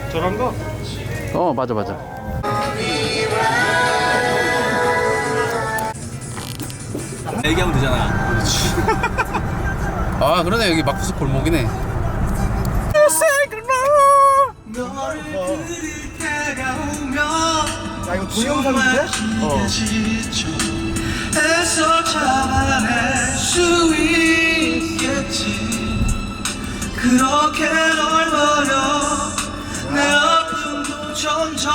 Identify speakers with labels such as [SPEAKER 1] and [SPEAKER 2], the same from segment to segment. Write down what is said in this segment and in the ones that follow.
[SPEAKER 1] 저런 거?
[SPEAKER 2] 맞아 맞아.
[SPEAKER 1] 얘기하면 되잖아.
[SPEAKER 2] 아 그러네, 여기 마쿠스 골목이네.
[SPEAKER 1] 야 이거 동영상인데?
[SPEAKER 3] 애써 잡아낼 수 있겠지. 그렇게 널 버려 내 아픔도 점점.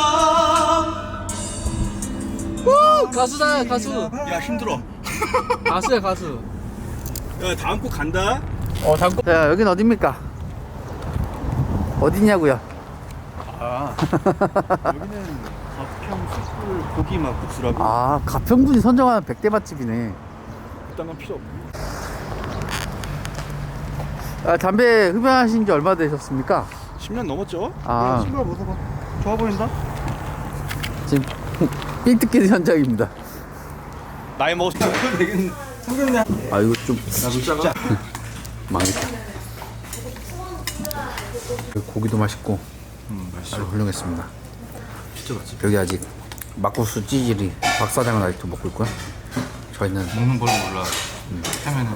[SPEAKER 2] 오, 가수다 가수.
[SPEAKER 1] 야 힘들어.
[SPEAKER 2] 가수야 가수.
[SPEAKER 1] 야 다음 곡 간다.
[SPEAKER 2] 잠깐. 자, 여긴 어딥니까? 어디냐고요?
[SPEAKER 1] 여기는 가평 숯불 고기 막국수라고.
[SPEAKER 2] 아, 가평군이 선정한 100대 맛집이네.
[SPEAKER 1] 그딴 건 필요 없고.
[SPEAKER 2] 담배 흡연하신 지 얼마 되셨습니까?
[SPEAKER 1] 10년 넘었죠?
[SPEAKER 2] 아.
[SPEAKER 1] 야, 친구가 벗어봐. 좋아 보인다?
[SPEAKER 2] 지금 삥 뜯기는 현장입니다.
[SPEAKER 1] 나이 먹었을 때 되긴 생겼네.
[SPEAKER 2] 아, 이거 좀
[SPEAKER 1] 나도 진짜.
[SPEAKER 2] 망했다. 고기도 맛있고
[SPEAKER 1] 맛있어.
[SPEAKER 2] 아주 훌륭했습니다.
[SPEAKER 1] 진짜 맛있어.
[SPEAKER 2] 여기 아직 막국수 찌질이 박 사장은 아직도 먹고 있고요. 저희는
[SPEAKER 1] 먹는 걸 몰라. 하면은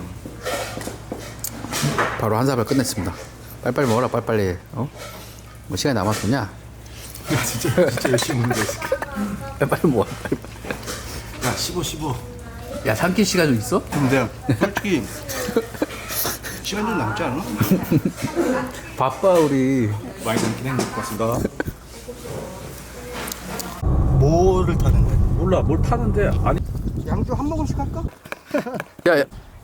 [SPEAKER 2] 바로 한 사발 끝냈습니다. 빨리빨리 먹어라, 빨리빨리. 뭐 시간이 남았더냐?
[SPEAKER 1] 야 진짜 열심히 먹는 거 있어.
[SPEAKER 2] 빨리빨리 먹어, 빨리빨리.
[SPEAKER 1] 야 15.
[SPEAKER 2] 야, 삼킬 시간 좀 있어?
[SPEAKER 1] 근데 솔직히 시간 좀 남지 않아?
[SPEAKER 2] 바빠 우리.
[SPEAKER 1] 많이 남긴 했는 것 같습니다. 뭐를 타는데?
[SPEAKER 4] 몰라 뭘 타는데 아니
[SPEAKER 1] 양주 한 모금씩 할까?
[SPEAKER 2] 야, 야.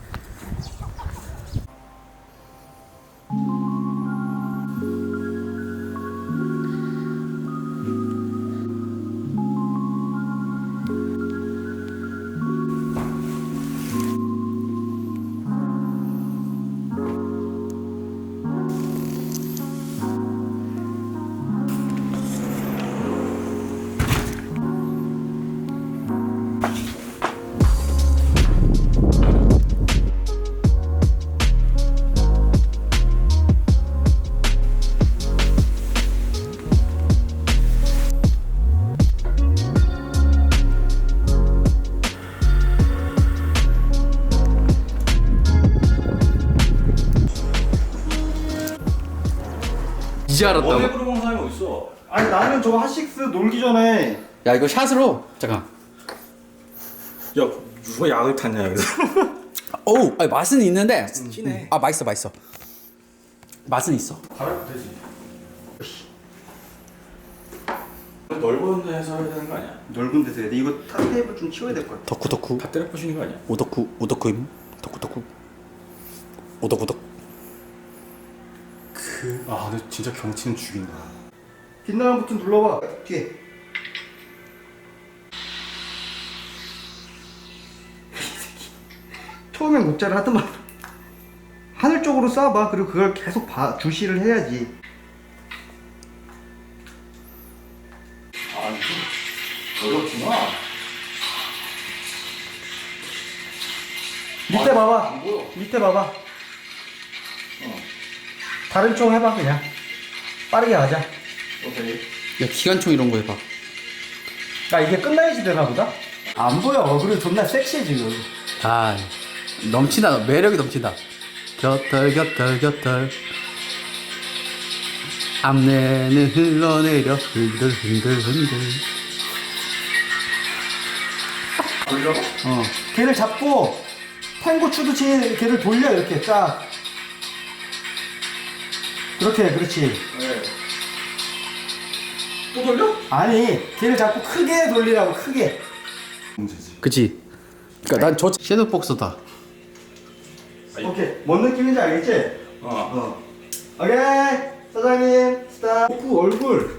[SPEAKER 2] 이제 알았다고?
[SPEAKER 1] 먹는 사람이 어딨어? 아니 나는 저거 핫식스 놀기 전에
[SPEAKER 2] 야, 이거 샷으로. 잠깐.
[SPEAKER 1] 야 누가 약을 탔냐 여기서.
[SPEAKER 2] 어우, 아니, 맛은 있는데.
[SPEAKER 1] 진해.
[SPEAKER 2] 아, 맛있어. 맛은 있어.
[SPEAKER 1] 갈아도 되지. 넓은 데서 해야 되는 거 아니야? 넓은 데서 해야 돼. 이거 탑 테이블 좀 치워야 될 것 같아.
[SPEAKER 2] 덕후.
[SPEAKER 1] 다 때려 부시는 거 아니야?
[SPEAKER 2] 오덕후임. 덕후. 오덕.
[SPEAKER 1] 아 근데 진짜 경치는 죽인다. 뒷나랑 버튼 눌러봐. 뒤에. 처음엔 못자를 하더만 하늘 쪽으로 쏴봐. 그리고 그걸 계속 주시를 해야지. 아 이거 어렵구나. 밑에 봐봐. 안 보여. 밑에 봐봐. 다른 총 해봐 그냥. 빠르게 가자. 오케이.
[SPEAKER 2] 야, 기관총 이런 거 해봐.
[SPEAKER 1] 아 이게 끝나야지 되나 보다? 안 보여. 그리고 존나 섹시해 지금.
[SPEAKER 2] 아, 넘친다. 매력이 넘친다. 곁털. 앞내는 흘러내려 흔들.
[SPEAKER 1] 돌려? 걔를 잡고 탱고 추듯이 걔를 돌려. 이렇게 쫙. 그렇지. 네. 또 돌려? 아니 걔를 잡고 크게 돌리라고. 크게. 문제지.
[SPEAKER 2] 그치? 그니까 난 저 섀도우 복서다.
[SPEAKER 1] 오케이. 뭔 느낌인지 알겠지? 오케이. 사장님 스탑. 오프 얼굴.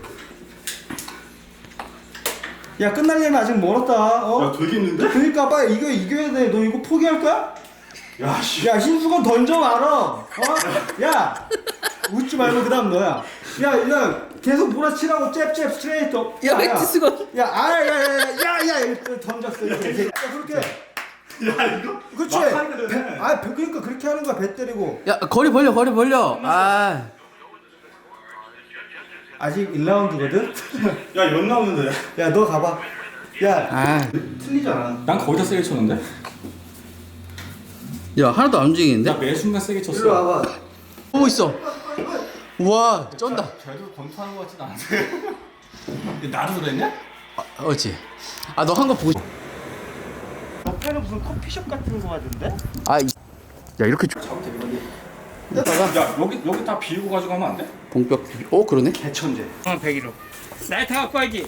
[SPEAKER 1] 야 끝날려면 아직 멀었다. 야 되겠는데? 그러니까 빨리 이거 이겨야 돼. 너 이거 포기할 거야? 야 신수건 던져 말어. 야 웃지 말고 그다음 너야. 야 계속 몰아치라고. 잽 스트레이트.
[SPEAKER 2] 야, 엑지스건.
[SPEAKER 1] 야야야야야야 던졌어. 이렇게. 야 그렇게. 야 이거. 그렇지. 그러니까 그렇게 하는 거야. 배 때리고.
[SPEAKER 2] 야, 거리 벌려. 아.
[SPEAKER 1] 아직 1라운드거든?
[SPEAKER 5] 야, 연 나오는데.
[SPEAKER 1] 야, 너 가봐. 야,
[SPEAKER 2] 아,
[SPEAKER 1] 틀리잖아.
[SPEAKER 4] 난 거의 다 세게 쳤는데?
[SPEAKER 2] 야 하나도 안 움직이는데?
[SPEAKER 4] 나 매 순간 세게 쳤어.
[SPEAKER 1] 일로 와봐.
[SPEAKER 2] 보고 있어. 우와, 쩐다.
[SPEAKER 4] 쟤도 권투하는 거 같진 않은데. 나도 그랬냐?
[SPEAKER 2] 어찌? 아, 너 한 거 보고.
[SPEAKER 1] 옆에는 무슨 커피숍 같은 거 같은데?
[SPEAKER 2] 아, 야 이렇게
[SPEAKER 4] 야, 여기 다 비우고 가져가면 안 돼?
[SPEAKER 2] 봉벽. 그러네.
[SPEAKER 1] 개천재.
[SPEAKER 6] 100kg. 나이트 갖고 와야지.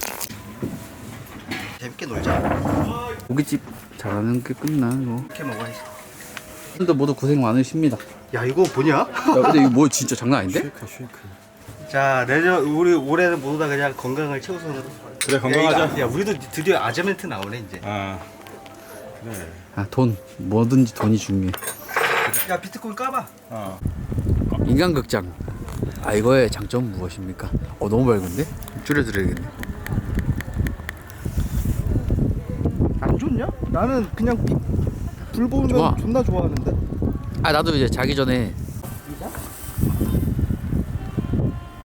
[SPEAKER 1] 재밌게 놀자.
[SPEAKER 2] 고깃집 잘하는 게 끝나 이거.
[SPEAKER 1] 이렇게 먹어야지.
[SPEAKER 2] 분들 모두 고생 많으십니다.
[SPEAKER 1] 야, 이거 뭐냐?
[SPEAKER 2] 야, 근데 이거 뭐 진짜 장난 아닌데?
[SPEAKER 1] 자, 내년 우리 올해는 모두 다 그냥 건강을 최우선으로.
[SPEAKER 5] 그래, 건강하자.
[SPEAKER 1] 야, 우리도 드디어 아재멘트 나오네 이제.
[SPEAKER 5] 아.
[SPEAKER 2] 아, 돈 뭐든지 돈이 중요해.
[SPEAKER 1] 야, 비트코인 까봐.
[SPEAKER 2] 인간극장. 아, 이거의 장점은 무엇입니까? 너무 밝은데? 줄여드려야겠네.
[SPEAKER 1] 안 좋냐? 나는 그냥 불 보면
[SPEAKER 2] 좋아.
[SPEAKER 1] 존나 좋아하는데.
[SPEAKER 2] 아, 나도 이제 자기 전에